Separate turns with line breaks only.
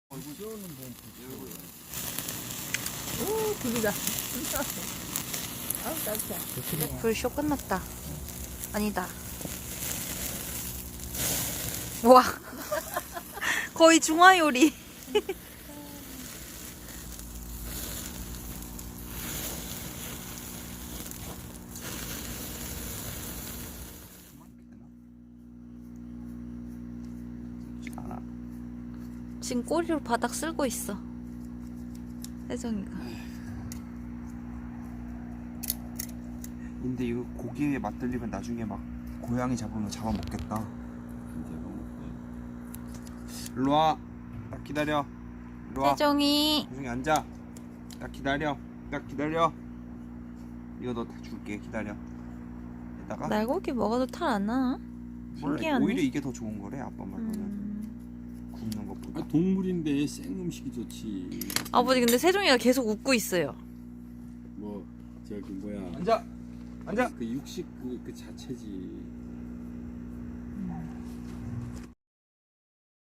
얼굴 띄우는 분 얼굴.
오, 불이다. 아우, 따뜻해.
불쇼 끝났다. 아니다. 와. 거의 중화요리.
않아.
지금 꼬리로 바닥 쓸고 있어. 혜정이가.
근데 이거 고기에 맛들리면 나중에 막 고양이 잡으면 잡아먹겠다. 일로 와. 딱 기다려. 일로 와.
혜정이.
혜정이 앉아. 딱 기다려. 딱 기다려. 이거 너 다 줄게. 기다려. 이따가
날고기 먹어도 탈 안 나나?
몰라.
신기하네.
오히려 이게 더 좋은 거래. 아빠 말로는 굽는 것보다.
아, 동물인데 생 음식이 좋지.
아버지 근데 세종이가 계속 웃고 있어요.
뭐 저기 뭐야
앉아. 앉아.
그 육식 그 자체지.